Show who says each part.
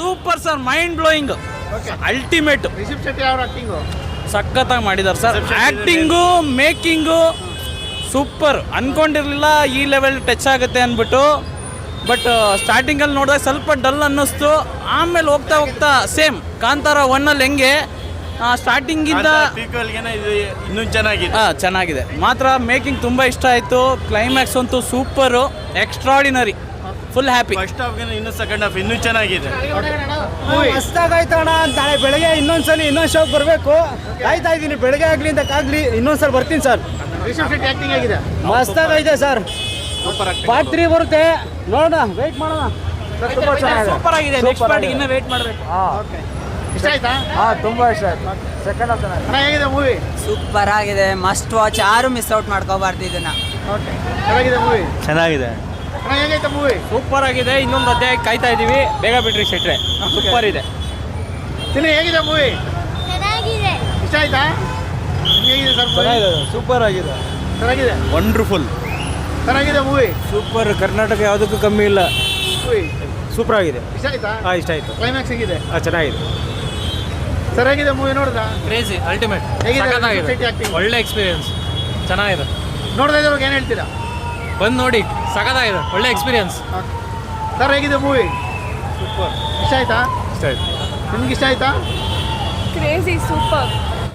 Speaker 1: Super sir, mind blowing, ultimate.
Speaker 2: Rishab Shetty ಅವ್ರ acting
Speaker 1: ಸಖತ್ತಾಗಿ ಮಾಡಿದ್ದಾರೆ ಸರ್. Acting, making super. ಅಂದ್ಕೊಂಡಿರಲಿಲ್ಲ ಈ ಲೆವೆಲ್ ಟಚ್ ಆಗುತ್ತೆ ಅಂದ್ಬಿಟ್ಟು. ಬಟ್ ಸ್ಟಾರ್ಟಿಂಗಲ್ಲಿ ನೋಡಿದಾಗ ಸ್ವಲ್ಪ ಡಲ್ ಅನ್ನಿಸ್ತು. ಆಮೇಲೆ ಹೋಗ್ತಾ ಹೋಗ್ತಾ ಸೇಮ್ ಕಾಂತಾರ 1 ಹೆಂಗೆ ಸ್ಟಾರ್ಟಿಂಗಿಂದ
Speaker 3: ಇನ್ನೂ ಚೆನ್ನಾಗಿದೆ.
Speaker 1: ಚೆನ್ನಾಗಿದೆ ಮಾತ್ರ. ಮೇಕಿಂಗ್ ತುಂಬ ಇಷ್ಟ ಆಯಿತು. ಕ್ಲೈಮ್ಯಾಕ್ಸ್ ಅಂತೂ super, extraordinary, full happy.
Speaker 3: First ಹಾಫ್ಗಿಂತ ಇನ್ನೂ ಸೆಕೆಂಡ್ ಹಾಫ್ ಇನ್ನೂ ಚೆನ್ನಾಗಿದೆ.
Speaker 4: ಮಸ್ತಾಗಾಯ್ತಣ್ಣ. ನಾಳೆ ಬೆಳಗ್ಗೆ ಇನ್ನೊಂದ್ಸಲಿ ಇನ್ನೊಂದು ಶೋಗೆ ಬರಬೇಕು. ಕಾಯ್ತಾ ಇದ್ದೀನಿ, ಬೆಳಗ್ಗೆ ಆಗಲಿ ಅಂತಕ್ಕಾಗಲಿ ಇನ್ನೊಂದ್ಸಲ ಬರ್ತೀನಿ ಸರ್.
Speaker 2: ರಿಷಬ್ ಶೆಟ್ಟಿ ಆಕ್ಟಿಂಗ್ ಆಗಿದೆ,
Speaker 4: ಮಸ್ತಾಗೈತೆ ಸರ್. ಪಾರ್ಟ್ 3 ಬರುತ್ತೆ, ನೋಡೋಣ, ವೆಯ್ಟ್ ಮಾಡೋಣ.
Speaker 1: ಸೂಪರ್ ಆಗಿದೆ. ನೆಕ್ಸ್ಟ್ ಪಾರ್ಟಿಗೆ ಇನ್ನೂ ವೆಯ್ಟ್ ಮಾಡಬೇಕು.
Speaker 2: ಇಷ್ಟ ಆಯ್ತಾ?
Speaker 4: ತುಂಬ ಇಷ್ಟ ಆಯ್ತು. ಸೆಕೆಂಡ್ ಹಾಫ್
Speaker 2: ಅಣ್ಣ ಹೇಗಿದೆ ಮೂವಿ?
Speaker 5: ಸೂಪರ್ ಆಗಿದೆ, ಮಸ್ಟ್ ವಾಚ್. ಯಾರು ಮಿಸ್ ಔಟ್ ಮಾಡ್ಕೋಬಾರ್ದು ಇದನ್ನ.
Speaker 2: ಓಕೆ, ಚೆನ್ನಾಗಿದೆ ಮೂವಿ.
Speaker 3: ಚೆನ್ನಾಗಿದೆ.
Speaker 2: ಅಣ್ಣ ಹೇಗೈತೆ ಮೂವಿ?
Speaker 1: ಸೂಪರ್ ಆಗಿದೆ. ಇನ್ನೊಂದು ಅಧ್ಯಾಯ ಕಾಯ್ತಾ ಇದ್ದೀವಿ, ಬೇಗ ಬಿಡ್ರಿ ಶೆಟ್ರೆ. ಸೂಪರ್ ಇದೆ.
Speaker 2: ತಿನ್ನ ಹೇಗಿದೆ ಮೂವಿ?
Speaker 6: ಚೆನ್ನಾಗಿದೆ.
Speaker 2: ಇಷ್ಟ ಆಯ್ತಾ? ಹೇಗಿದೆ ಸರ್?
Speaker 4: ಸೂಪರ್ ಆಗಿದೆ,
Speaker 2: ಚೆನ್ನಾಗಿದೆ,
Speaker 3: ವಂಡರ್ಫುಲ್.
Speaker 2: ಚೆನ್ನಾಗಿದೆ ಮೂವಿ.
Speaker 4: ಸೂಪರ್. ಕರ್ನಾಟಕ ಯಾವುದಕ್ಕೂ ಕಮ್ಮಿ ಇಲ್ಲ.
Speaker 2: ಮೂವಿ
Speaker 4: ಸೂಪರ್ ಆಗಿದೆ.
Speaker 2: ಇಷ್ಟ ಆಯ್ತಾ?
Speaker 4: ಇಷ್ಟ ಆಯಿತು.
Speaker 2: ಕ್ಲೈಮ್ಯಾಕ್ಸ್ ಹೇಗಿದೆ?
Speaker 4: ಚೆನ್ನಾಗಿದೆ.
Speaker 2: ಸರ್ ಹೇಗಿದೆ ಮೂವಿ ನೋಡಿದ?
Speaker 1: ಕ್ರೇಜಿ, ಅಲ್ಟಿಮೇಟ್,
Speaker 2: ಹೇಗಿದೆ
Speaker 1: ಸಖತ್ತಾಗಿದೆ.
Speaker 2: ಶೆಟ್ಟಿ ಆಕ್ಟಿಂಗ್?
Speaker 1: ಒಳ್ಳೆ ಎಕ್ಸ್ಪೀರಿಯನ್ಸ್, ಚೆನ್ನಾಗಿದೆ.
Speaker 2: ನೋಡ್ತಾ ಇದ್ದವ್ರಿಗೆ ಏನು ಹೇಳ್ತೀರಾ?
Speaker 1: ಬಂದು ನೋಡಿ, ಸಖತ್ತಾಗಿದೆ, ಒಳ್ಳೆ ಎಕ್ಸ್ಪೀರಿಯನ್ಸ್.
Speaker 2: ಸರ್ ಹೇಗಿದೆ ಮೂವಿ?
Speaker 4: ಸೂಪರ್.
Speaker 2: ಇಷ್ಟ ಆಯ್ತಾ?
Speaker 4: ಇಷ್ಟ ಆಯ್ತು.
Speaker 2: ನಿಮ್ಗೆ ಇಷ್ಟ ಆಯ್ತಾ?
Speaker 6: Crazy, super.